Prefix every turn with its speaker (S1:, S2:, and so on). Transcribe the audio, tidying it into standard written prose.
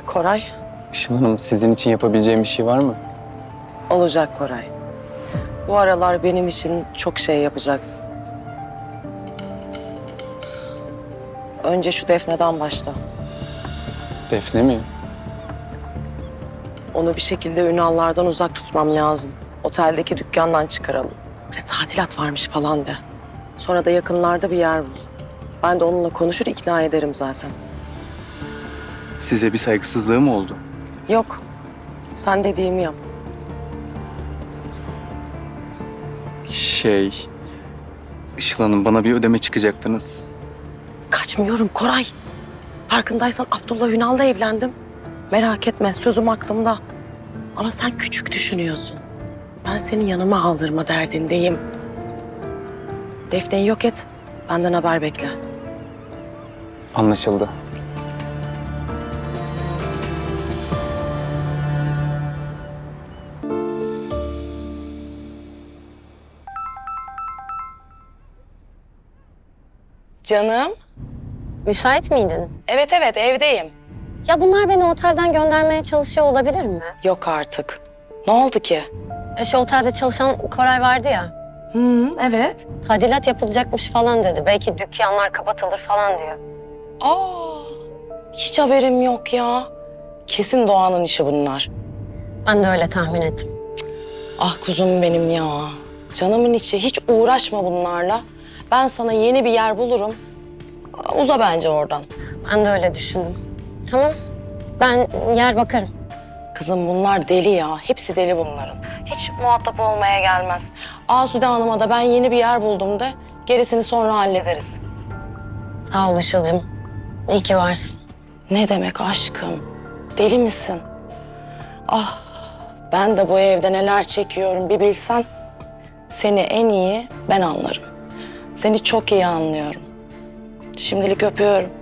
S1: Koray,
S2: Işıl Hanım, sizin için yapabileceğim bir şey var mı?
S1: olacak Koray. Bu aralar benim için çok şey yapacaksın. Önce şu Defne'den başla.
S2: Defne mi?
S1: Onu bir şekilde Ünallardan uzak tutmam lazım. Oteldeki dükkandan çıkaralım. Böyle tadilat varmış falan de. Sonra da yakınlarda bir yer bul. Ben de onunla konuşur ikna ederim zaten.
S2: Size bir saygısızlığı mı oldu?
S1: Yok, sen dediğimi yap.
S2: Işıl Hanım, bana bir ödeme çıkacaktınız.
S1: Kaçmıyorum Koray. Farkındaysan Abdullah Ünal'la evlendim. Merak etme, sözüm aklımda. Ama sen küçük düşünüyorsun. Ben seni yanıma aldırma derdindeyim. Defne'yi yok et, benden haber bekle.
S2: Anlaşıldı.
S1: Canım.
S3: Müsait miydin?
S1: Evet evdeyim.
S3: Ya bunlar beni otelden göndermeye çalışıyor olabilir mi?
S1: Yok artık. Ne oldu ki?
S3: Şu otelde çalışan Koray vardı ya.
S1: Evet.
S3: Tadilat yapılacakmış falan dedi. Belki dükkanlar kapatılır falan diyor.
S4: Aa, hiç haberim yok ya. Kesin Doğan'ın işi bunlar.
S3: Ben de öyle tahmin ettim.
S4: Ah kuzum benim ya. Canımın içi, hiç uğraşma bunlarla. Ben sana yeni bir yer bulurum. Uza bence oradan.
S3: Ben de öyle düşündüm. Tamam. Ben yer bakarım.
S4: Kızım bunlar deli ya. Hepsi deli bunların. Hiç muhatap olmaya gelmez. Asude Hanım'a da ben yeni bir yer buldum de. Gerisini sonra hallederiz.
S3: Sağ ol Işıl'cığım. İyi ki varsın.
S4: Ne demek aşkım? Deli misin? Ah, ben de bu evde neler çekiyorum bir bilsen. Seni en iyi ben anlarım. Seni çok iyi anlıyorum. Şimdilik öpüyorum.